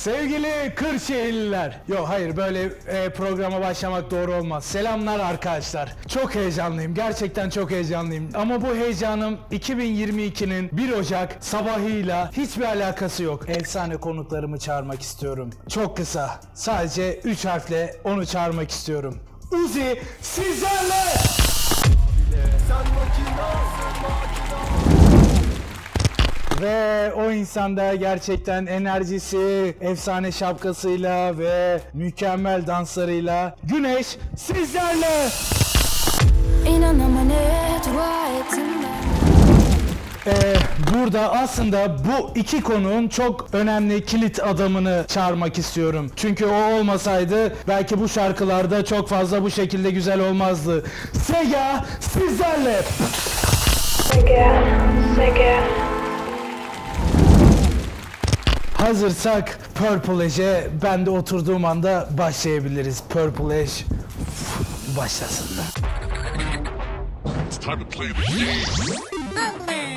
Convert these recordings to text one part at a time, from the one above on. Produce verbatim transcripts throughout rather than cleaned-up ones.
Sevgili Kırşehirliler. Yok hayır böyle e, programa başlamak doğru olmaz. Selamlar arkadaşlar. Çok heyecanlıyım. Gerçekten çok heyecanlıyım. Ama bu heyecanım iki bin yirmi ikinin bir Ocak sabahıyla hiçbir alakası yok. Efsane konuklarımı çağırmak istiyorum. Çok kısa. Sadece üç harfle onu çağırmak istiyorum. Uzi sizlerle! Ve o insanda gerçekten enerjisi, efsane şapkasıyla ve mükemmel danslarıyla Güneş sizlerle. İnan ama ne dua ettim ben. Ee, burada aslında bu iki konuğun çok önemli kilit adamını çağırmak istiyorum. Çünkü o olmasaydı belki bu şarkılarda çok fazla bu şekilde güzel olmazdı. Sega sizlerle. Sega, Sega. Hazırsak Purple Ashe'e ben de oturduğum anda başlayabiliriz. Purple Ashe başlasın. It's time to play the game.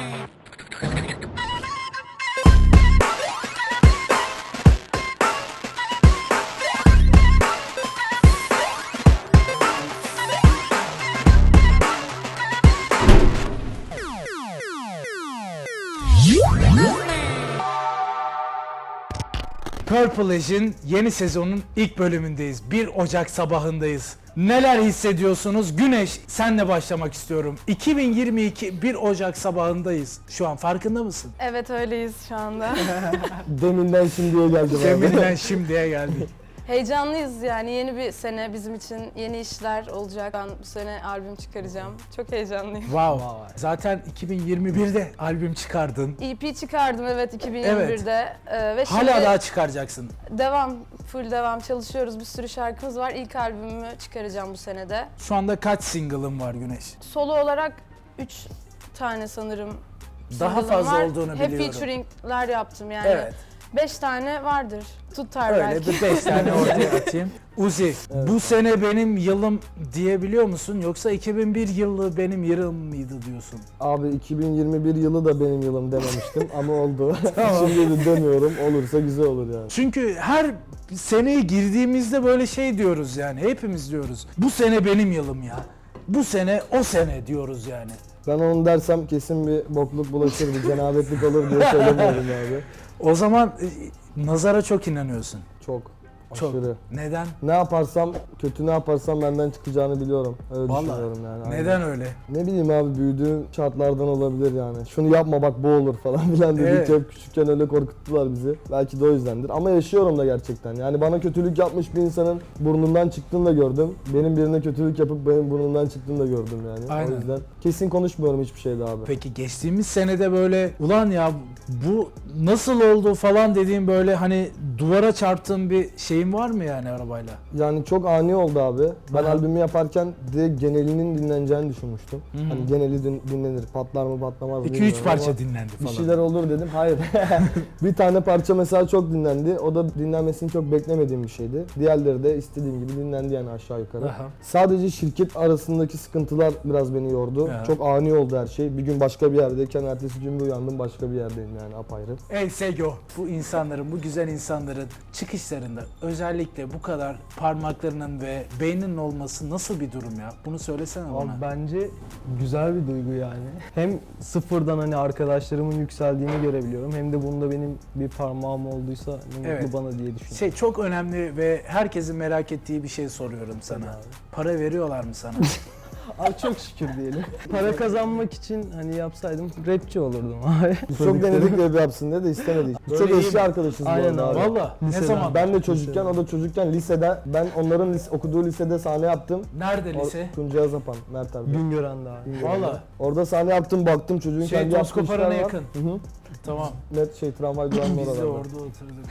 Purple Ashe'in yeni sezonun ilk bölümündeyiz. bir Ocak sabahındayız. Neler hissediyorsunuz? Güneş, senle başlamak istiyorum. iki bin yirmi iki bir Ocak sabahındayız. Şu an farkında mısın? Evet öyleyiz şu anda. Deminden şimdiye geldim abi. Deminden şimdiye geldik. Heyecanlıyız yani yeni bir sene bizim için yeni işler olacak. Ben bu sene albüm çıkaracağım. Çok heyecanlıyım. Wow. Zaten iki bin yirmi birde albüm çıkardın. E P çıkardım evet iki bin yirmi birde. Ee, ve şimdi Hala daha çıkaracaksın. devam, full devam çalışıyoruz. Bir sürü şarkımız var. İlk albümümü çıkaracağım bu senede. Şu anda kaç single'ın var Güneş? Solo olarak üç tane sanırım Daha single'ım fazla var. olduğunu Hep biliyorum. featuring'ler yaptım yani. Evet. Beş tane vardır. Tutar Öyle belki. bir beş tane ortaya atayım. Uzi, bu sene benim yılım diyebiliyor musun? Yoksa iki bin bir yılı benim yılım mıydı diyorsun? Abi iki bin yirmi bir yılı da benim yılım dememiştim ama oldu. Şimdi de demiyorum. Olursa güzel olur yani. Çünkü her seneye girdiğimizde böyle şey diyoruz yani. Hepimiz diyoruz. Bu sene benim yılım ya. Bu sene o sene diyoruz yani. Ben onu dersem kesin bir bokluk bulaşır, bir cenabetlik olur diye söylemiyorum abi. O zaman e, nazara çok inanıyorsun. Çok. Çok. Aşırı. Neden? Ne yaparsam, kötü ne yaparsam benden çıkacağını biliyorum. Öyle Vallahi. düşünüyorum yani. Aynen. Neden öyle? Ne bileyim abi, büyüdüğüm şartlardan olabilir yani. Şunu yapma bak bu olur falan filan dedik. Evet. Hep küçükken öyle korkuttular bizi. Belki de o yüzdendir. Ama yaşıyorum da gerçekten. Yani bana kötülük yapmış bir insanın burnundan çıktığını da gördüm. Benim birine kötülük yapıp benim burnumdan çıktığını da gördüm yani. Aynen. O yüzden kesin konuşmuyorum hiçbir şeyde abi. Peki geçtiğimiz senede böyle ulan ya bu nasıl oldu falan dediğim böyle hani duvara çarptığın bir şeyin var mı yani arabayla? Yani çok ani oldu abi. Ben Aha. albümü yaparken direkt genelinin dinleneceğini düşünmüştüm. Hı hı. Hani geneli din- dinlenir, patlar mı patlamaz mı iki üç bilmiyorum parça ama dinlendi bir falan. şeyler olur dedim. Hayır. Bir tane parça mesela çok dinlendi. O da dinlenmesini çok beklemediğim bir şeydi. Diğerleri de istediğim gibi dinlendi yani aşağı yukarı. Aha. Sadece şirket arasındaki sıkıntılar biraz beni yordu. Aha. Çok ani oldu her şey. Bir gün başka bir yerdeyken ertesi gün bir uyandım başka bir yerdeyim yani apayrı. Ey Sego, bu insanların, bu güzel insanların çıkışlarında özellikle bu kadar parmaklarının ve beyninin olması nasıl bir durum ya? Bunu söylesene Abi bana. bence güzel bir duygu yani. Hem sıfırdan hani arkadaşlarımın yükseldiğini görebiliyorum hem de bunda benim bir parmağım olduysa ne Evet. mutlu bana diye düşünüyorum. Şey çok önemli ve herkesin merak ettiği bir şey soruyorum sana. abi. Para veriyorlar mı sana? Abi çok şükür diyelim. Para kazanmak için hani yapsaydım rapçi olurdum abi. Biz çok denedik rap yapsın diye de istemedik. Biz Böyle çok iyi eski mi? arkadaşız Aynen bu arada abi. abi. Valla ne Liseden. zaman? Ben de çocukken, o da çocukken lisede, ben onların lis- okuduğu lisede sahne yaptım. Nerede lise? O- Tuncay Azapan, Mert abi. Güngören'de abi. Valla. Orada sahne yaptım, baktım çocuğun Şey, kendi yaptığı Toskoparan'a işler var. yakın. Hı hı. Tamam. Net şey tramvay durağının Biz de oralarda. orada oturduk.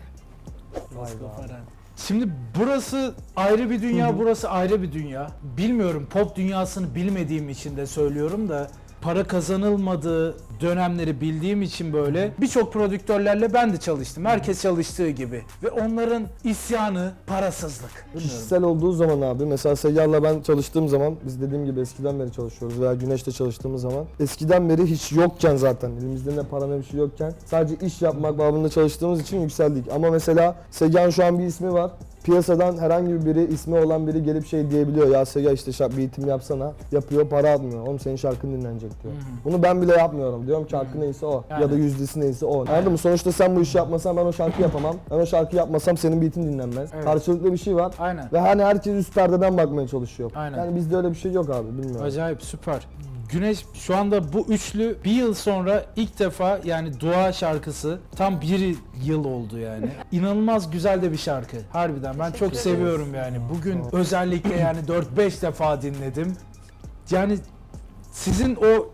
Vay be. Toskoparan. Şimdi burası ayrı bir dünya, burası ayrı bir dünya. Bilmiyorum, pop dünyasını bilmediğim için de söylüyorum da para kazanılmadığı dönemleri bildiğim için böyle birçok prodüktörlerle ben de çalıştım. Herkes çalıştığı gibi. Ve onların isyanı parasızlık. Bilmiyorum. Kişisel olduğu zaman abi, mesela Seyyar'la ben çalıştığım zaman, biz dediğim gibi eskiden beri çalışıyoruz veya Güneş'te çalıştığımız zaman, eskiden beri hiç yokken zaten, elimizde ne para ne bir şey yokken sadece iş yapmak babında çalıştığımız için yükseldik. Ama mesela Seyyar'ın şu an bir ismi var. Piyasadan herhangi biri, ismi olan biri gelip şey diyebiliyor. Ya Sega işte şarkı beatim yapsana. Yapıyor, para almıyor. Oğlum senin şarkın dinlenecek diyor. Hı-hı. Bunu ben bile yapmıyorum. Diyorum ki hakkı neyse o. Yani. Ya da yüzdesi neyse o. Anladın mı? Sonuçta sen bu işi yapmasan ben o şarkı yapamam. Ben o şarkı yapmasam senin beatin dinlenmez. Evet. Karşılıklı bir şey var. Aynen. Ve hani herkes üst perdeden bakmaya çalışıyor. Aynen. Yani bizde öyle bir şey yok abi, bilmiyorum. Acayip, süper. Güneş şu anda bu üçlü bir yıl sonra ilk defa, yani Dua şarkısı tam bir yıl oldu yani. İnanılmaz güzel de bir şarkı. Harbiden ben çok seviyorum yani. Bugün özellikle yani dört beş defa dinledim. Yani sizin o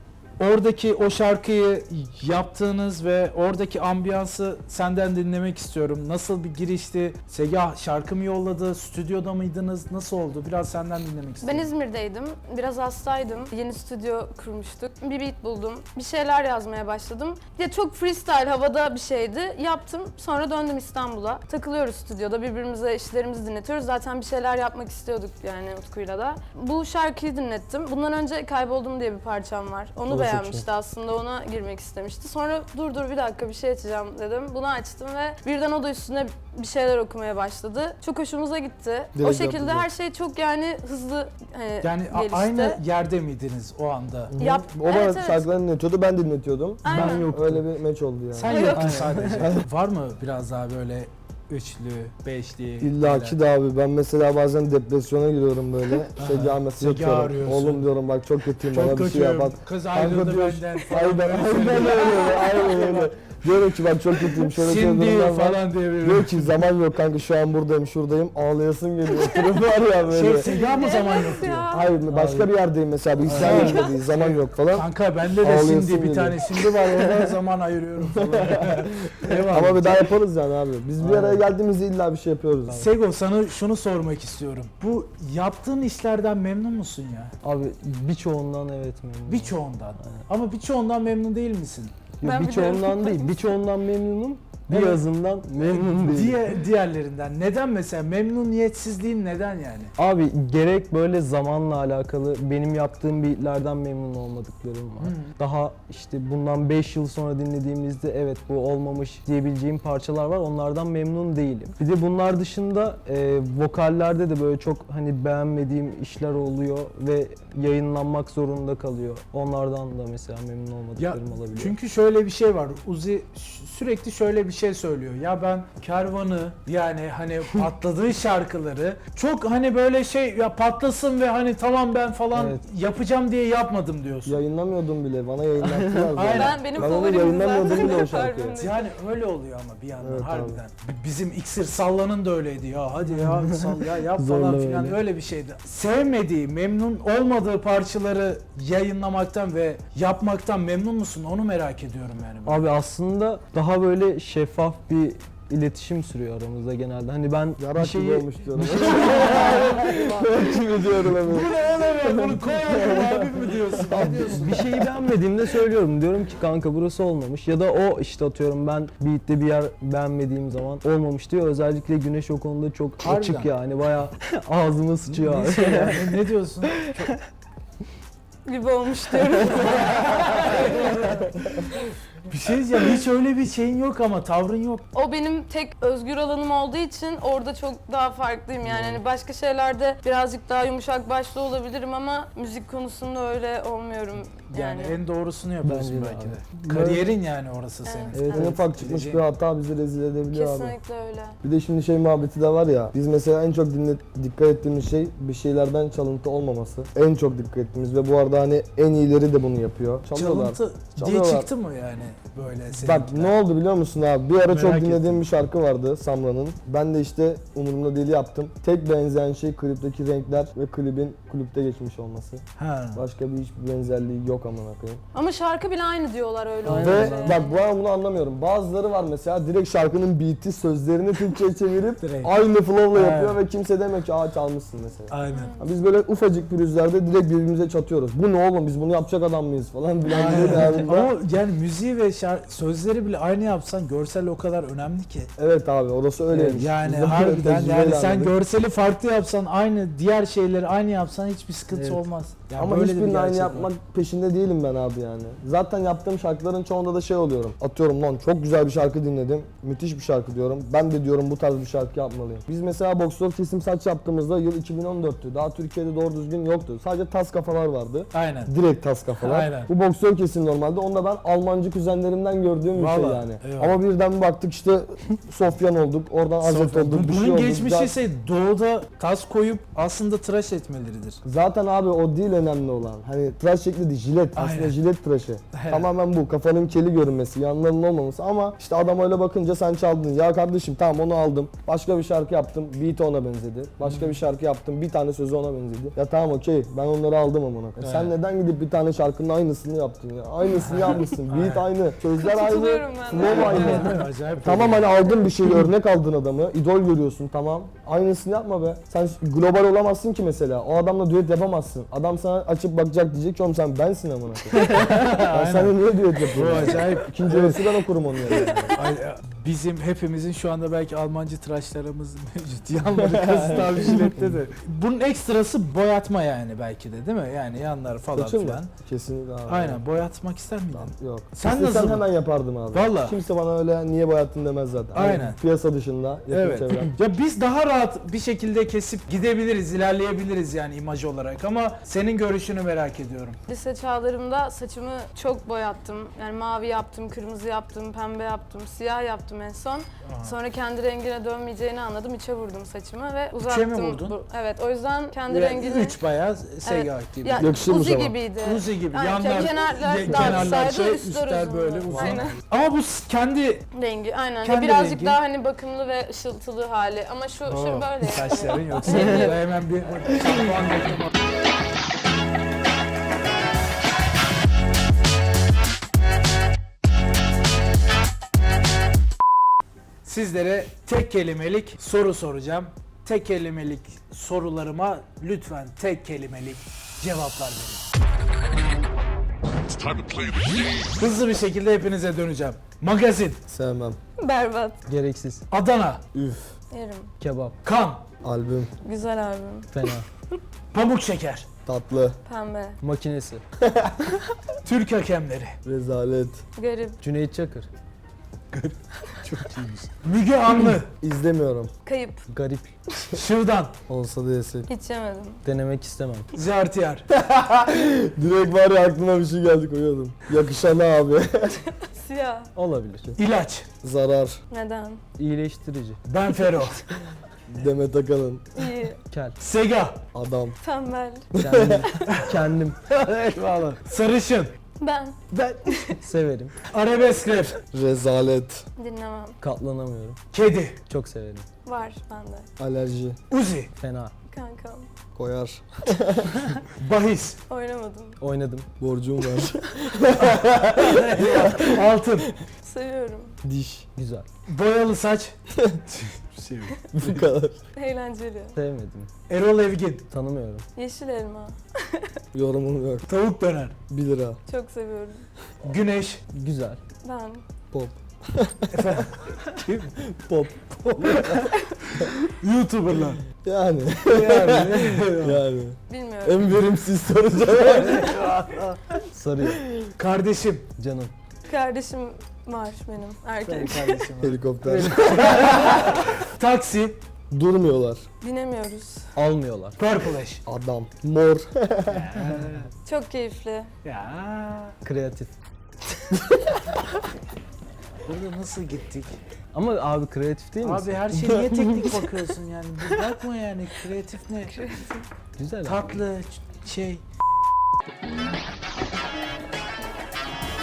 oradaki o şarkıyı yaptığınız ve oradaki ambiyansı senden dinlemek istiyorum. Nasıl bir girişti? Sega şarkı mı yolladı? Stüdyoda mıydınız? Nasıl oldu? Biraz senden dinlemek Ben istiyorum. İzmir'deydim. Biraz hastaydım. Yeni stüdyo kurmuştuk. Bir beat buldum. Bir şeyler yazmaya başladım. Ya çok freestyle, havada bir şeydi. Yaptım. Sonra döndüm İstanbul'a. Takılıyoruz stüdyoda. Birbirimize işlerimizi dinletiyoruz. Zaten bir şeyler yapmak istiyorduk yani Utku'yla da. Bu şarkıyı dinlettim. Bundan önce Kayboldum diye bir parçam var. Onu O da çok beğenmişti aslında. Ona girmek istemişti. Sonra dur dur bir dakika bir şey açacağım dedim. Bunu açtım ve birden o da üstüne bir şeyler okumaya başladı. Çok hoşumuza gitti. Direkt o şekilde yapacağım. her şey çok yani hızlı hani Yani a- gelişti. aynı yerde miydiniz o anda? Yap. O bana Evet, evet. şarkılarını dinletiyordu, ben dinletiyordum. Aynen. Ben yoktum. Öyle bir meç oldu yani. Sen yoktun sadece. Var mı biraz daha böyle üçlü, beşli? İlla ki böyle? de abi, ben mesela bazen depresyona giriyorum böyle. Sega mesaj Sega atıyorum. arıyorsun. Oğlum diyorum bak çok kötüyüm, Çok bana bir şey yap. kötüyüm. Bak. Kız Kanka ayrıldı diyor, benden falan. Aynen, aynen öyle, aynen öyle. Diyorum ki bak çok kötüyüm, şöyle şöyle Cindy durumlar var. falan diye bir. Diyor ki zaman yok kanka, şu an buradayım, şuradayım, ağlayasın geliyor. Oturum var ya böyle. Şey Sega mı zaman yok Evet diyor. ya. Hayır, başka bir yerdeyim mesela, bilgisayar yerinde değil, zaman yok falan. Kanka bende de Ağlayasın Cindy bir geliyor. tane Cindy var, ona zaman ayırıyorum falan. Eyvallah. Ama bir daha yaparız yani abi. Biz bir Aynen. araya geldiğimizde illa bir şey yapıyoruz abi. Sego, sana şunu sormak istiyorum. Bu yaptığın işlerden memnun musun ya? Abi birçoğundan evet memnunum. Birçoğundan. Ama birçoğundan memnun değil misin? Yok, Ben birçoğundan biliyorum. değil, birçoğundan memnunum. Evet. Birazından memnun değilim. Diğer, diğerlerinden. Neden mesela? Memnuniyetsizliğin neden yani? Abi gerek böyle zamanla alakalı benim yaptığım beatlerden memnun olmadıklarım var. Hı. Daha işte bundan beş yıl sonra dinlediğimizde evet bu olmamış diyebileceğim parçalar var. Onlardan memnun değilim. Bir de bunlar dışında e, vokallerde de böyle çok hani beğenmediğim işler oluyor ve yayınlanmak zorunda kalıyor. Onlardan da mesela memnun Ya olmadıklarım olabiliyor. çünkü şöyle bir şey var. Uzi ş- sürekli şöyle bir şey söylüyor. Ya ben Kervan'ı, yani hani patladığı şarkıları çok hani böyle şey ya patlasın ve hani tamam ben falan Evet. yapacağım diye yapmadım diyorsun. Yayınlamıyordum bile, bana yayınlattılar zaten. Aynen. Ben benim Ben onu favorim yayınlamıyordum zaten. bile o şarkıyı. Albümde. Yani öyle oluyor ama bir yandan Evet, harbiden. B- Bizim İksir Sallan'ın da öyleydi ya, hadi ya sal ya yap Zorla falan filan, öyle. öyle bir şeydi. Sevmediği, memnun olmadığı parçaları yayınlamaktan ve yapmaktan memnun musun? Onu merak ediyorum yani. ben. Abi aslında daha böyle şeffaf bir iletişim sürüyor aramızda genelde. Hani ben bir Yarak gibi şeyi olmuş diyorum. Kimi diyorum hemen. Bu ne oğlum ya? Bunu koyalım abim mi diyorsun? Ne diyorsun? bir şeyi beğenmediğimde söylüyorum. Diyorum ki kanka burası olmamış. Ya da o işte atıyorum ben beat'te bir yer beğenmediğim zaman olmamış diyor. Özellikle Güneş o konuda çok Harbiden. açık yani. Bayağı ağzıma sıçıyor abi. Ne, şey yani? Ne diyorsun? gibi olmuş diyorum. Bir şey diyeceğim, hiç öyle bir şeyin yok ama tavrın yok. O benim tek özgür alanım olduğu için orada çok daha farklıyım yani. Hani başka şeylerde birazcık daha yumuşak başlı olabilirim ama müzik konusunda öyle olmuyorum Yani, yani. en doğrusunu yapıyorsun Bence de belki abi. de. Kariyerin yani orası senin. Evet. Evet, en ufak çıkmış bir hata bizi rezil edebiliyor abi. Kesinlikle öyle. Bir de şimdi şey muhabbeti de var ya, biz mesela en çok dinle, dikkat ettiğimiz şey bir şeylerden çalıntı olmaması. En çok dikkat ettiğimiz ve bu arada hani en iyileri de bunu yapıyor. Çalıyorlar altı diye Çalıyorlar. çıktı mı yani böyle senin? Bak ne oldu biliyor musun abi? Bir ara çok Merak dinlediğim ettim. bir şarkı vardı Samra'nın. Ben de işte umurumda değil yaptım. Tek benzeyen şey klipteki renkler ve klibin klipte geçmiş olması. Ha. Başka bir hiçbir benzerliği yok amına koyayım. Ama şarkı bile aynı diyorlar öyle Aynen. Ve olunca. bak bu an bunu anlamıyorum. Bazıları var mesela direkt şarkının beat'i sözlerini Türkçe'ye çevirip Direkt. aynı flow'la Evet. yapıyor ve kimse demiyor ki aa çalmışsın mesela. Aynen. Ya Biz böyle ufacık pürüzlerde direkt birbirimize çatıyoruz. Bu ne oğlum biz bunu yapacak adam mıyız falan filan diye devamında. Ama yani müziği ve şarkı, sözleri bile aynı yapsan görsel o kadar önemli ki. Evet abi orası öyleymiş. Yani Biz de harbiden tecrübeyle yani sen anladık. görseli farklı yapsan aynı diğer şeyleri aynı yapsan hiçbir sıkıntı Evet. olmaz. Yani Ama böyle de bir hiçbirini aynı gerçek var. yapmak peşinde değilim ben abi yani. Zaten yaptığım şarkıların çoğunda da şey oluyorum. Atıyorum lan çok güzel bir şarkı dinledim. Müthiş bir şarkı diyorum. Ben de diyorum bu tarz bir şarkı yapmalıyım. Biz mesela boksör kesim saç yaptığımızda yıl iki bin on dörttü. Daha Türkiye'de doğru düzgün yoktu. Sadece tas kafalar vardı. Aynen. Direkt tas kafalar. Aynen. Bu boksör kesim normalde. Onu da ben Almancı kuzenlerimden gördüğüm bir şey Vallahi, yani. eyvallah. Ama birden bir baktık işte Sofyan olduk. Oradan Azet Sofya. olduk. Bir Bunun şey olduk. geçmişi Zaten- ise doğuda tas koyup aslında tıraş etmeleridir. Zaten abi o değil önemli olan. Hani tıraş şekli değil, jilet. Aynen. Aslında jilet tıraşı. Evet. Tamamen bu. Kafanın keli görünmesi, yanlarının olmaması ama işte adam öyle bakınca sen çaldın. Ya kardeşim tamam onu aldım. Başka bir şarkı yaptım. Beat ona benzedi. Başka bir şarkı yaptım. Bir tane sözü ona benzedi. Ya tamam okey. Ben onları aldım amına. koyayım. Sen Evet. neden gidip bir tane şarkının aynısını yaptın ya? Aynısını yapmışsın. Beat aynı. Sözler aynı. Katılıyorum ben de. Flow aynı. Evet, acayip. Tamam hani aldın bir şeyi örnek aldın adamı, idol görüyorsun tamam. Aynısını yapma be. Sen global olamazsın ki mesela. O adamla düet yapamazsın. Adam sana açıp bakacak diyecek ki oğlum sen bensin amına koyayım. Ben sana niye düet Bu yapıyorum? acayip. İkinci öğresi ben okurum onu yani. Ay, Bizim hepimizin şu anda belki Almancı tıraşlarımız mevcut. Yanları kasıt abi jilette de. Bunun ekstrası boyatma yani belki de değil mi? Yani yanlar falan Saçın mı? filan. Kesinlikle abi. Aynen boyatmak ister miydin? Yok. Sen İstesem nasıl? hemen yapardım abi. Vallahi. Kimse bana öyle niye boyattın demez zaten. Hani Aynen. piyasa dışında, yakın Evet. çevrem. Ya biz daha rahat bir şekilde kesip gidebiliriz, ilerleyebiliriz yani imaj olarak ama senin görüşünü merak ediyorum. Lise çağlarımda saçımı çok boyattım. Yani mavi yaptım, kırmızı yaptım, pembe yaptım, siyah yaptım en son. Sonra kendi rengine dönmeyeceğini anladım. İçe vurdum saçımı ve uzattım. mi vurdun? Bu- evet, o yüzden kendi Yani rengini... üç bayağı seyyah gibi. Ya, Yakışırmış Uzi ama. gibiydi. Uzi gibi. Aynen, Yanlar, kenarlar ye- daha kenarlar kısaydı, şey, üstler üstler uzundu. böyle uzun. Aynen. Ama bu s- kendi Rengi aynen. Kendi Birazcık rengi. daha hani bakımlı ve ışıltılı hali. Ama şu, şu Oo, böyle. saçların yani. yoksa hemen bir şampuan döktüm. Sizlere tek kelimelik soru soracağım. Tek kelimelik sorularıma lütfen tek kelimelik cevaplar verin. It's time to play the game. Hızlı bir şekilde hepinize döneceğim. Magazin, Sevmem. Berbat. Gereksiz. Adana, Üf. Yerim. Kebap. kan, Albüm. Güzel albüm. Fena. pamuk şeker, Tatlı. Pembe. Makinesi. Türk hakemleri, Rezalet. Garip. Cüneyt Çakır. Müge Anlı, İzlemiyorum. Kayıp. Garip. Şırdan, Olsa da yesek. Hiç yemedim. Denemek istemem. Zertiyar, Direkt var ya aklıma bir şey geldi koyuyordum. Yakışan abi. Siyah. Olabilir. ilaç, Zarar. Neden? İyileştirici. Benfero, Demet Akalın. İyi. Kel. Sega, Adam. Tembel. Kendim. Kendim. eyvallah, sarışın, Ben. Severim. arabesk rap, Rezalet. Dinlemem. Katlanamıyorum. kedi, Çok severim. Var bende. Alerji. Uzi, Fena. Kankam. Koyar. bahis, Oynamadım. Oynadım. Borcum var. altın, Seviyorum. Diş. Güzel. boyalı saç, Bu kadar. Eğlenceli. Sevmedim. Erol Evgin, Tanımıyorum. Yeşil elma. Yorumum yok. tavuk döner, bir lira. Çok seviyorum. güneş, Güzel. Ben. Pop. pop, YouTuber'lar. Yani. Yani. yani. Bilmiyorum. En verimsiz soru cevap. Sarı. Kardeşim. Canım. Kardeşim var benim. Erkek. Kardeşim. Helikopter. Taksi, Durmuyorlar. Binemiyoruz. Almıyorlar. Purple Ash. Adam. Mor. Çok keyifli. Ya. Kreatif. Burada nasıl gittik? Ama abi kreatif değil misin? Abi her şeye niye teknik bakıyorsun yani? Bir bakma yani kreatif ne? Güzel abi. Tatlı ç- şey.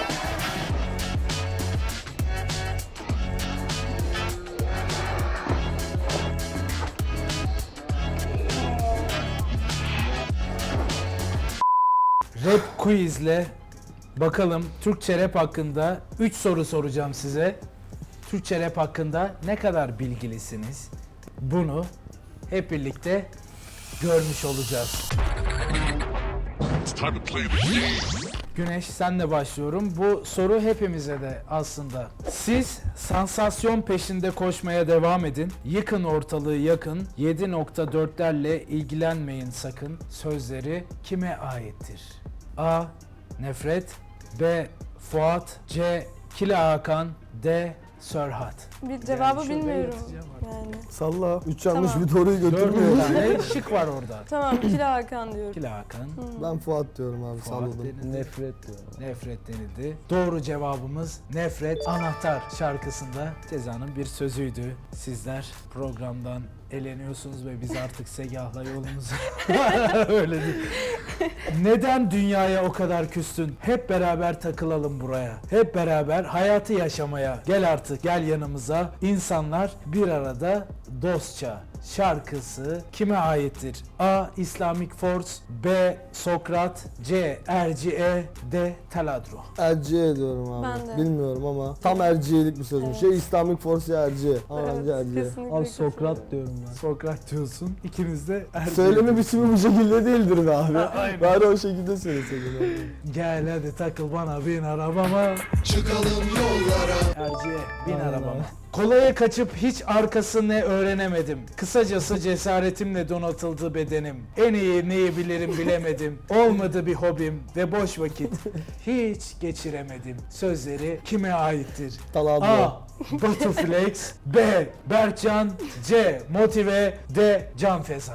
Rap quizle bakalım Türkçe rap hakkında üç soru soracağım size. Türkçe rap hakkında ne kadar bilgilisiniz? Bunu hep birlikte görmüş olacağız. It's time to play the game. Güneş, senle başlıyorum. Bu soru hepimize de aslında. Siz sansasyon peşinde koşmaya devam edin. Yıkın ortalığı yakın. yedi nokta dörtlerle ilgilenmeyin sakın. Sözleri kime aittir? A. Nefret. B. Fuat. C. Kila Hakan. D. Sörhat. Bir cevabı şuraya bilmiyorum. yazacağım artık. Yani. Salla. Üç yanlış Tamam. bir doğruyu götürmüyor. Dördüncü tane şık var orada. Tamam, Kila Hakan diyorum. Kila Hakan. Ben Fuat diyorum abi, Fuat salladım. denildi. Nefret diyorum. Nefret denildi. Doğru cevabımız Nefret. Anahtar şarkısında Ceza'nın bir sözüydü. Sizler programdan eleniyorsunuz ve biz artık Segah'la yolumuzu öyle değil. Neden dünyaya o kadar küstün? Hep beraber takılalım buraya. Hep beraber hayatı yaşamaya. Gel artık, gel yanımıza. İnsanlar bir arada dostça. Şarkısı kime aittir? A. Islamic Force. B. Sokrat. C. Erciye. D. Taladro. Erciye diyorum abi. Ben de. Bilmiyorum ama tam Erciye'lik bir sözmüş. Evet. Şey İslamic Force ya Erciye. Ama Evet, bence Erciye. kesinlikle Abi kesinlikle. Sokrat diyorum ben. Sokrat diyorsun. İkiniz de Erciye. Söyleme biçimi bu şekilde değildir be abi. Aynen. Bari o şekilde söyleseydin abi. Gel hadi takıl bana, bin arabama. Çıkalım yollara. Erciye, bin Aynen arabama. abi. Kolaya kaçıp hiç arkası ne öğrenemedim. Kısacası cesaretimle donatıldı bedenim. En iyi neyi bilirim bilemedim. Olmadı bir hobim ve boş vakit hiç geçiremedim. Sözleri kime aittir? Taladro. A. Batu Flex. B. Berkcan. C. Motive. D. Can Feza.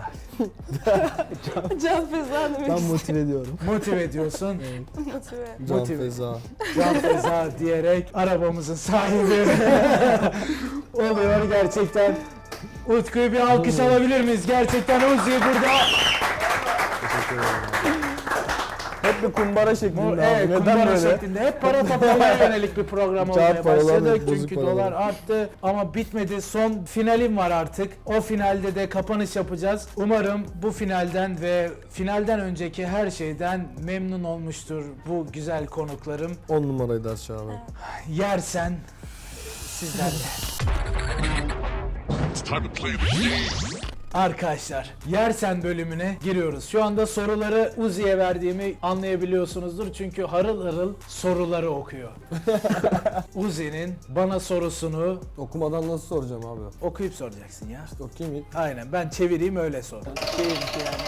Can Feza demek Ben istedim. motive ediyorum. Motive diyorsun. Motive. Can Motive. Feza. Can Feza diyerek arabamızın sahibi oluyor gerçekten. Utku'yu bir alkış alabilir miyiz? Gerçekten Uzi burada. Teşekkür ederim. Hep bir kumbara şeklinde Bu, abi. evet, Neden kumbara böyle? şeklinde. Hep para toplamaya yönelik bir program Kağıt olmaya paralar başladık. ve bozuk Çünkü paralar. dolar arttı ama bitmedi. Son finalim var artık. O finalde de kapanış yapacağız. Umarım bu finalden ve finalden önceki her şeyden memnun olmuştur bu güzel konuklarım. On numaraydı aşağı abi. Yersen sizlerle. It's time to play the game. Arkadaşlar, Yersen bölümüne giriyoruz. Şu anda soruları Uzi'ye verdiğimi anlayabiliyorsunuzdur. Çünkü harıl harıl soruları okuyor. Uzi'nin bana sorusunu Okumadan nasıl soracağım abi? okuyup soracaksın ya. Okuyayım ilk. Aynen, ben çevireyim öyle sor. Keyifli yani.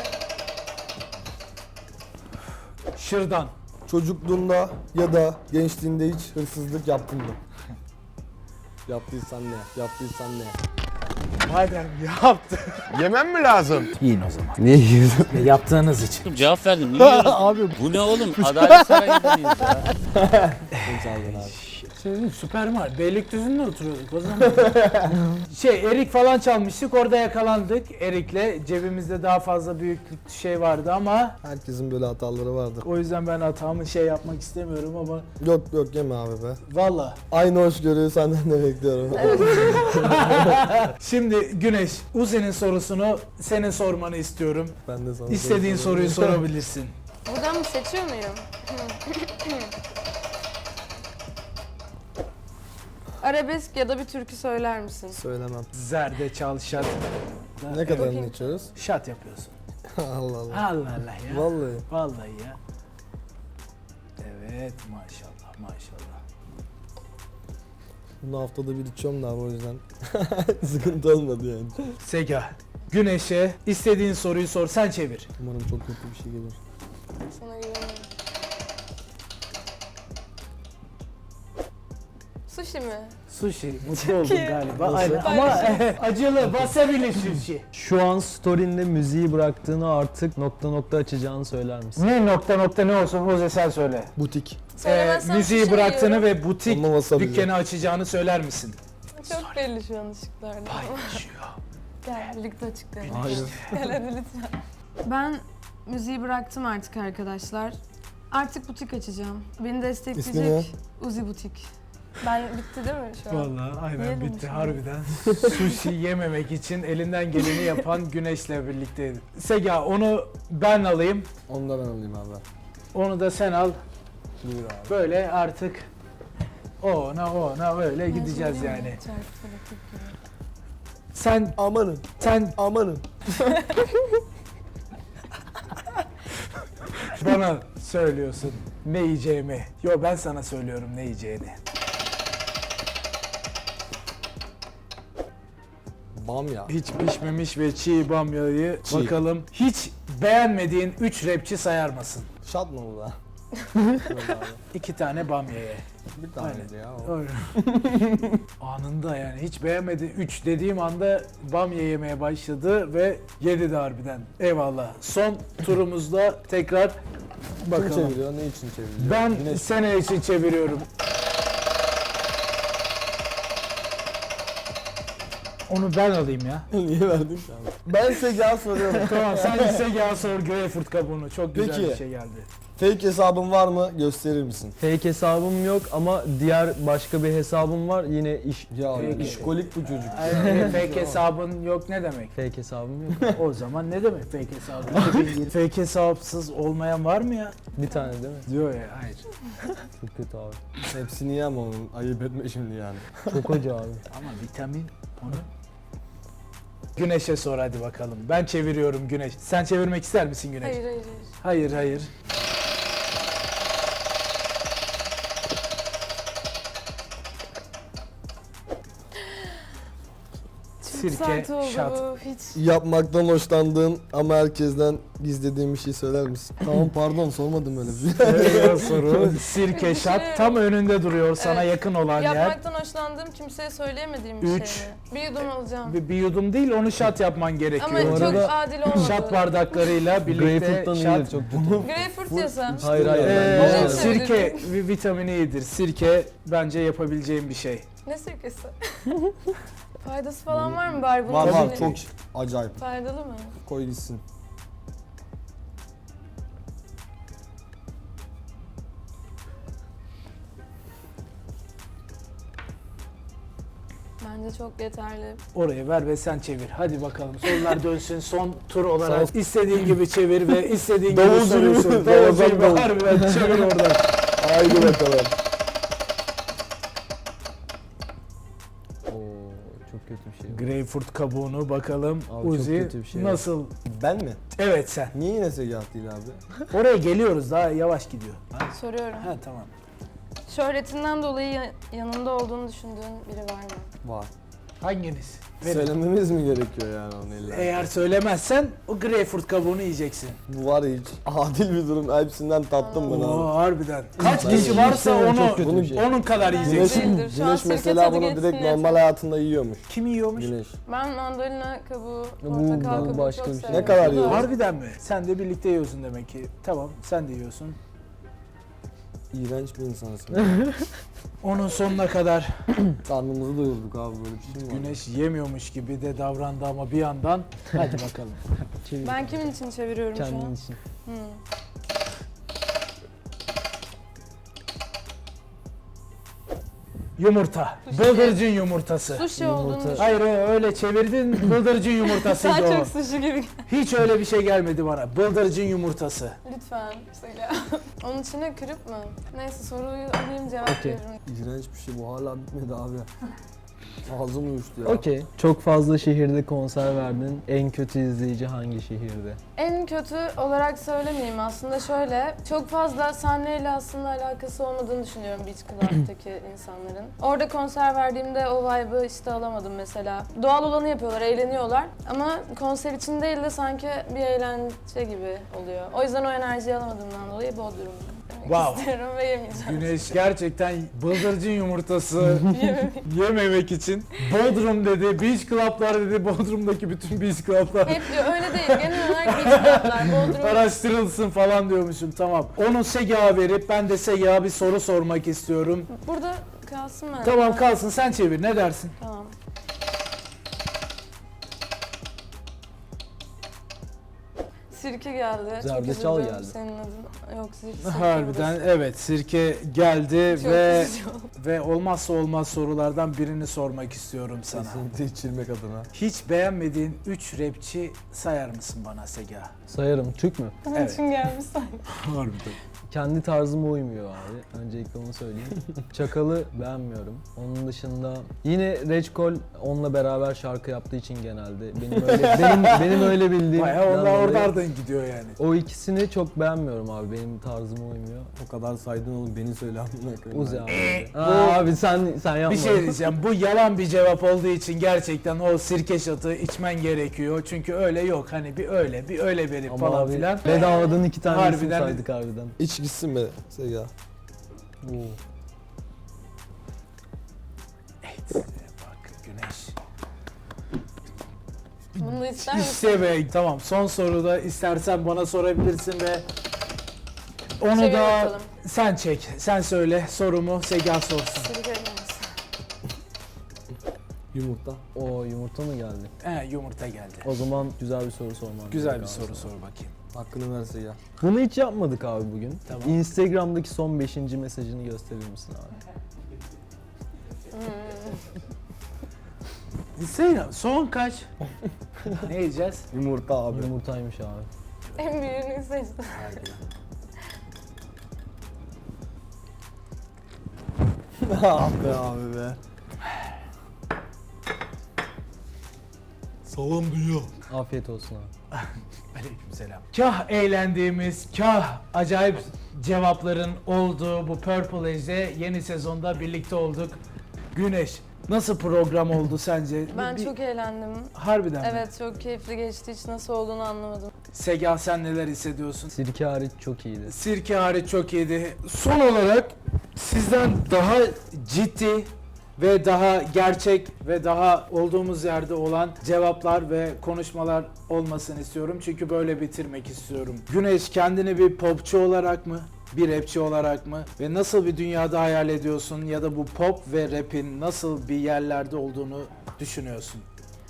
Şırdan. Çocukluğunda ya da gençliğinde hiç hırsızlık yaptın mı? Yaptıysan ne? Yaptıysan ne? Madem yaptı. Yemem mi lazım? Yiyin o zaman. Niye yiyorsun? Yaptığınız için. Cevap verdim. Niye yiyorsun? Abi Bu ne oğlum? Adalet Sarayı'nda mıyız ya? Şey, Süper Mario. Beylikdüzü'nde oturuyorduk o zaman. şey Erik falan çalmıştık, orada yakalandık. Erik'le cebimizde daha fazla büyüklük şey vardı ama herkesin böyle hataları vardır. o yüzden ben hatamı şey yapmak istemiyorum ama Yok yok yeme abi be. valla. Aynı hoşgörüyü senden de bekliyorum. Şimdi Güneş, Uzi'nin sorusunu senin sormanı istiyorum. Ben de sana İstediğin soru soruyu sorayım. sorabilirsin. Buradan mı seçiyor muyum? Arabesk ya da bir türkü söyler misin? Söylemem. Zerde çal şat. Ne kadarını Bakayım. içiyoruz? Şat yapıyorsun. Allah Allah. Allah Allah ya. Vallahi. Vallahi ya. Evet, maşallah maşallah. Bunu haftada bir içiyorum da abi o yüzden. Sıkıntı olmadı yani. Sega, Güneş'e istediğin soruyu sor, sen çevir. Umarım çok kötü bir şey gelir. Sana güveniyorum. Sushi mi? Sushi, mutlu oldun iyi. galiba. Nasıl? Aynen. Ama acılı, wasabi'li sushi. Şu an story'inde müziği bıraktığını artık nokta nokta açacağını söyler misin? Ne nokta nokta ne olsun Oze sen söyle. Butik. Ee, Söylemezsem müziği sushi bıraktığını yiyorum. ve butik Ama wasabi. dükkanı açacağını söyler misin? Çok belli şu an ışıklarda. Paylaşıyor. Gel birlikte açıklayalım. Hayır. Gel hadi lütfen. Ben müziği bıraktım artık arkadaşlar. Artık butik açacağım. Beni İsmi destekleyecek Uzi Butik. Ben bitti değil mi şu an? Vallahi aynen Yiyelim bitti şimdi. harbiden. Sushi yememek için elinden geleni yapan Güneş'le birlikteydi. Sega onu ben alayım. Onu da ben alayım abi. Onu da sen al. Buyur abi. Böyle artık ona ona öyle gideceğiz yani. Sen Amanın, sen amanın. bana söylüyorsun ne yiyeceğimi. Yo ben sana söylüyorum ne yiyeceğini. Bamya. Hiç pişmemiş ve çiğ bamyayı Çiğ. bakalım. Hiç beğenmediğin üç rapçi sayar mısın? Şat mı bu da? İki tane bamyaya. Bir taneydi ya. o. Öyle. Anında yani hiç beğenmedi. Üç dediğim anda bamya yemeye başladı ve yedi de harbiden. Eyvallah. Son turumuzda tekrar Kim bakalım. çeviriyor? Ne için çeviriyor? Ben Güneş. sene için çeviriyorum. Onu ben alayım ya. Niye verdin ki abi? Ben size gel soruyorum. Tamam sen ise gel sor Greyfurt kabuğunu. Çok güzel Peki. bir şey geldi. Fake hesabın var mı? Gösterir misin? Fake hesabım yok ama diğer başka bir hesabım var. Yine iş Ya Peki. işkolik bu çocuk. Ay, fake hesabın yok ne demek? fake hesabım yok. O zaman ne demek fake hesabı? iki bin yirmi Fake hesapsız olmayan var mı ya? Bir tane değil mi? Diyor ya hayır. Çok kötü abi. Hepsini yem onun. Ayıp etme şimdi yani. Çok acı abi. Ama vitamin onu. Güneş'e sor hadi bakalım. Ben çeviriyorum Güneş. Sen çevirmek ister misin Güneş? Hayır hayır Hayır hayır. hayır. Çok Sirke, sert oldu şat. bu. Hiç. Yapmaktan hoşlandığın ama herkesten gizlediğin bir şey söyler misin? Tamam pardon sormadım öyle bir şey. Evet, soru. Sirke, şat tam önünde duruyor sana Evet. yakın olan yer. Yapmaktan hoşlandığım kimseye söyleyemediğim bir Üç. şey mi? Bir yudum alacağım. Bir, bir yudum değil onu şat yapman gerekiyor. Ama Bu çok arada adil olmadı. Şat bardaklarıyla birlikte Greyfurt'tan şat. iyidir çok kötü. Greyfurt yesem. Hayır hayır. Ee, ben Ee, de- sirke vi- vitamini iyidir. Sirke bence yapabileceğim bir şey. Ne sirkesi? Faydası falan var mı bari bunun? Var var için? çok acayip. Faydalı mı? Koy gitsin. Bence çok yeterli. Oraya ver ve sen çevir. Hadi bakalım sorular dönsün son tur olarak. İstediğin gibi çevir ve istediğin gibi Davul soruyu zili sor. mi? Davul Ramazan zili davul. harbiden çevir oradan. Haydi bakalım. Oo, çok kötü bir şey. Greyfurt kabuğunu bakalım. Abi çok Uzi kötü bir şey. nasıl? Ben mi? Evet sen. Niye yine Segahat değil abi? Oraya geliyoruz daha yavaş gidiyor. Ha, Soruyorum. ha tamam. Şöhretinden dolayı ya- yanında olduğunu düşündüğün biri var mı? Var. Hanginiz? Verin. Söylememiz mi gerekiyor yani onu illa? Eğer söylemezsen o Greyfurt kabuğunu yiyeceksin. Bu var ya hiç adil bir durum. Hepsinden tattım ben Oo abi. harbiden. Kaç Ben kişi varsa yiyeceğim, onu çok kötü bir şey. onun kadar Bence Güneş, yiyeceksin. değildir. Şu an güneş sirke mesela tadı bunu geçsin direkt yeter. normal hayatında yiyormuş. Kim yiyormuş? Güneş. Ben mandalina kabuğu, Bu- portakal bu kabuğu başka çok bir şey. severim. Ne kadar Bu da- yiyorsun? Harbiden mi? Sen de birlikte yiyorsun demek ki. Tamam sen de yiyorsun. İğrenç bir insansın. Onun sonuna kadar Karnımızı doyurduk abi böyle bir şey mi var? Güneş yemiyormuş gibi de davrandı ama bir yandan. Hadi bakalım. Çevir. Ben kimin için çeviriyorum şu Kendin an? için. Hmm. Yumurta. Bıldırcın yumurtası. Sushi Yumurta. olduğunu düşün. Hayır öyle çevirdin bıldırcın yumurtasıydı Daha o. çok sushi gibi. Hiç öyle bir şey gelmedi bana. Bıldırcın yumurtası. Lütfen söyle. Onun içine kırıp mı? Neyse soruyu alayım cevap Okey. veririm. İğrenç bir şey bu hala bitmedi abi. Ağzım uyuştu ya. Okey. Çok fazla şehirde konser verdin. En kötü izleyici hangi şehirde? En kötü olarak söylemeyeyim aslında şöyle. Çok fazla sahneyle aslında alakası olmadığını düşünüyorum Beach Club'daki insanların. Orada konser verdiğimde o vibe'ı işte alamadım mesela. Doğal olanı yapıyorlar, eğleniyorlar. Ama konser için değil de sanki bir eğlence gibi oluyor. O yüzden o enerjiyi alamadığımdan dolayı Bodrum demek Wow. istiyorum ve yemeyeceğim. Güneş gerçekten bıldırcın yumurtası yememek için Bodrum dedi, beach club'lar dedi, Bodrum'daki bütün beach club'lar Hep diyor öyle değil. Genel olarak Beach Club'lar, Bodrum. araştırılsın falan diyormuşum. Tamam. Onu Segah'a verip ben de Segah'a bir soru sormak istiyorum. Burada kalsın mı? Tamam kalsın sen çevir ne dersin? Tamam. Sirke geldi. Çok Zerdeçal üzüldüm. geldi. Senin adın. Yok sirke. Harbiden evet, sirke geldi Çok ve üzücü oldu. ve olmazsa olmaz sorulardan birini sormak istiyorum sana. Kesinlikle içilmek adına. Hiç beğenmediğin üç rapçi sayar mısın bana Sega? Sayarım. Türk mü? Bunun Evet. için gelmiş sanki. Harbiden. Kendi tarzıma uymuyor abi. Öncelikle onu söyleyeyim. Çakal'ı beğenmiyorum. Onun dışında yine Reçkol onunla beraber şarkı yaptığı için genelde benim öyle benim benim öyle bildiğim. Bayağı onlar oralardan gidiyor yani. O ikisini çok beğenmiyorum abi. Benim tarzıma uymuyor. O kadar saydın oğlum, beni söyle amına koyayım. Uzi abi. bu- Aa, abi sen sen yapma. Bir şey diyeceğim, bu yalan bir cevap olduğu için gerçekten o sirke şatı içmen gerekiyor. Çünkü öyle yok, hani bir öyle bir öyle verip Ama falan abi filan. bedavadan iki tane isim Harbiden- saydık harbiden. İç gitsin be Sega. Oo. Evet, bak Güneş. Bunu da ister misin? İşte be, tamam, son soruda istersen bana sorabilirsin ve onu Çevir da bakalım. sen çek, sen söyle sorumu, Sega sorsun. Sirke gelmiş. Yumurta. O yumurta mı geldi? He, yumurta geldi. O zaman güzel bir soru sormam Güzel bir gerek abi soru sana. sor bakayım. Hakkını ver Sega. Bunu hiç yapmadık abi bugün. Tamam. Instagram'daki son beşinci mesajını gösterir misin abi? Instagram son kaç? Ne yiyeceğiz? Yumurta abi. Yumurtaymış abi. En büyüğünü seçtim. Ah be abi be. Salam dünya. Afiyet olsun abi. Aleykümselam. Kah eğlendiğimiz, kah acayip cevapların olduğu bu Purple Age'de yeni sezonda birlikte olduk. Güneş, nasıl program oldu sence? Ben Bir- çok eğlendim. Harbiden mi? Evet çok keyifli geçti. Hiç nasıl olduğunu anlamadım. Sega, sen neler hissediyorsun? Sirke hariç çok iyiydi. Sirke hariç çok iyiydi. Son olarak sizden daha ciddi ve daha gerçek ve daha olduğumuz yerde olan cevaplar ve konuşmalar olmasını istiyorum. Çünkü böyle bitirmek istiyorum. Güneş, kendini bir popçu olarak mı, bir rapçi olarak mı ve nasıl bir dünyada hayal ediyorsun ya da bu pop ve rap'in nasıl bir yerlerde olduğunu düşünüyorsun?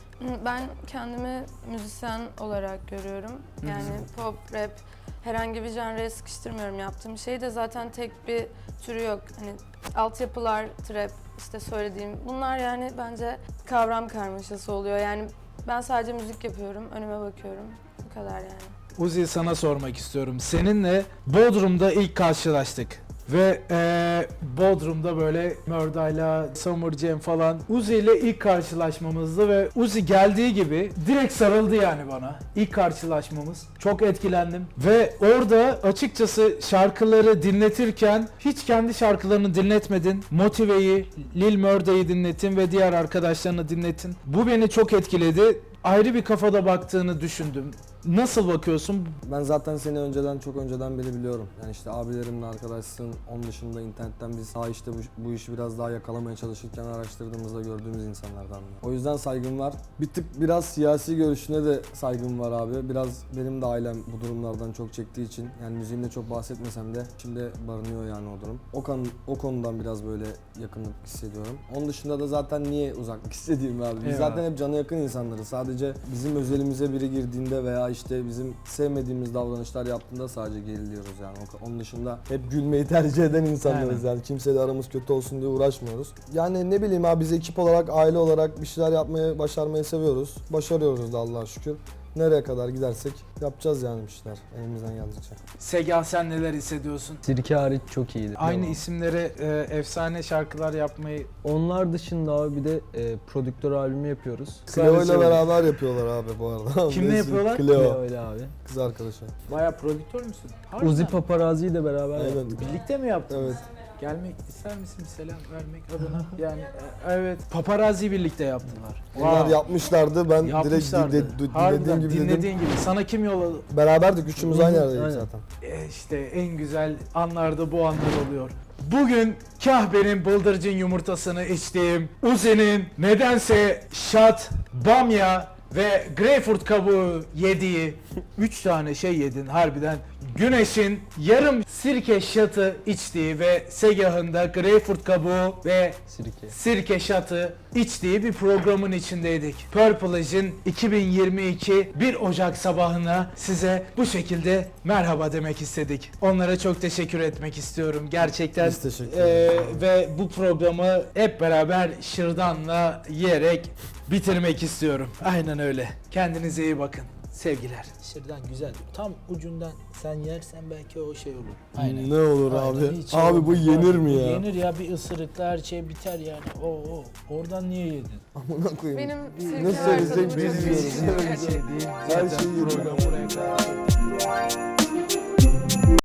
Ben kendimi müzisyen olarak görüyorum. Yani pop, rap, herhangi bir janraya sıkıştırmıyorum yaptığım şey de zaten tek bir türü yok. Hani altyapılar, trap, işte söylediğim bunlar yani bence kavram karmaşası oluyor. Yani ben sadece müzik yapıyorum, önüme bakıyorum. Bu kadar yani. Uzi, sana sormak istiyorum. Seninle Bodrum'da ilk karşılaştık. Ve eee Bodrum'da böyle Mörda'yla, Summer Jam falan Uzi ile ilk karşılaşmamızdı ve Uzi geldiği gibi direkt sarıldı yani bana. İlk karşılaşmamız. Çok etkilendim. Ve orada açıkçası şarkıları dinletirken hiç kendi şarkılarını dinletmedin. Motive'yi, Lil Mörda'yı dinletin ve diğer arkadaşlarını dinletin. Bu beni çok etkiledi. Ayrı bir kafada baktığını düşündüm. Nasıl bakıyorsun? Ben zaten seni önceden, çok önceden beri biliyorum. Yani işte abilerimle arkadaşsın. Onun dışında internetten biz daha işte bu, bu işi biraz daha yakalamaya çalışırken araştırdığımızda gördüğümüz insanlardan. O yüzden saygım var. Bir tık biraz siyasi görüşüne de saygım var abi. Biraz benim de ailem bu durumlardan çok çektiği için, yani müziğimde çok bahsetmesem de içimde barınıyor yani o durum. O, kan, o konudan biraz böyle yakınlık hissediyorum. Onun dışında da zaten niye uzaklık hissedeyim abi? Biz Eyvallah. zaten hep cana yakın insanlarız. Sadece bizim özelimize biri girdiğinde veya işte bizim sevmediğimiz davranışlar yaptığında sadece geriliyoruz yani. Onun dışında hep gülmeyi tercih eden insanlarız yani. Kimseyle aramız kötü olsun diye uğraşmıyoruz. Yani ne bileyim abi, biz ekip olarak, aile olarak bir şeyler yapmayı, başarmayı seviyoruz. Başarıyoruz da Allah'a şükür. Nereye kadar gidersek yapacağız yani bir şeyler elimizden geldikçe. Sega, sen neler hissediyorsun? Sirke hariç çok iyiydi. Aynı Devam. isimlere e, efsane şarkılar yapmayı... Onlar dışında abi bir de e, prodüktör albümü yapıyoruz. Cleo ile beraber yapıyorlar abi bu arada. Kimle Neyse, yapıyorlar? Cleo, Öyle abi. kız arkadaşı. Bayağı prodüktör müsün? Harbiden. Uzi Paparazzi'yi de beraber Aynen. yaptık. Birlikte mi yaptınız? Evet. Gelmek ister misin, selam vermek adına? Yani e, evet, paparazzi birlikte yaptılar. Onlar Wow. yapmışlardı. Ben direkt Yapmışlardı. dinle- dinlediğim Harbiden gibi dedim. dinlediğin gibi. Sana kim yolladı? Beraberdik, üçümüz aynı yerdeydik Aynen. zaten. E, işte en güzel anlarda bu anlar oluyor. Bugün kah benim bıldırcın yumurtasını içtiğim, Uzi'nin nedense şat, bamya ve greyfurt kabuğu yediği üç tane şey yedin harbiden. Güneş'in yarım sirke şatı içtiği ve Segah'ın da greyfurt kabuğu ve Sirke. sirke şatı içtiği bir programın içindeydik. Purple'ın iki bin yirmi iki bir Ocak sabahına size bu şekilde merhaba demek istedik. Onlara çok teşekkür etmek istiyorum. Gerçekten Biz teşekkür eee, ve bu programı hep beraber şırdanla yiyerek bitirmek istiyorum. Aynen öyle. Kendinize iyi bakın. Sevgiler. Şırdan güzel. Tam ucundan sen yersen belki o şey olur. Aynen. Ne olur Aynen, abi? hiç şey Abi bu olmaz. yenir mi Bu ya? Yenir ya, bir ısırıkla her şey biter yani. O o. Oradan niye yedin? Amına koyayım. Benim Ne sirke var söyleyecek tadımı çok bilmiyoruz. iyi. Her şeyi yedim. Programı buraya kadar.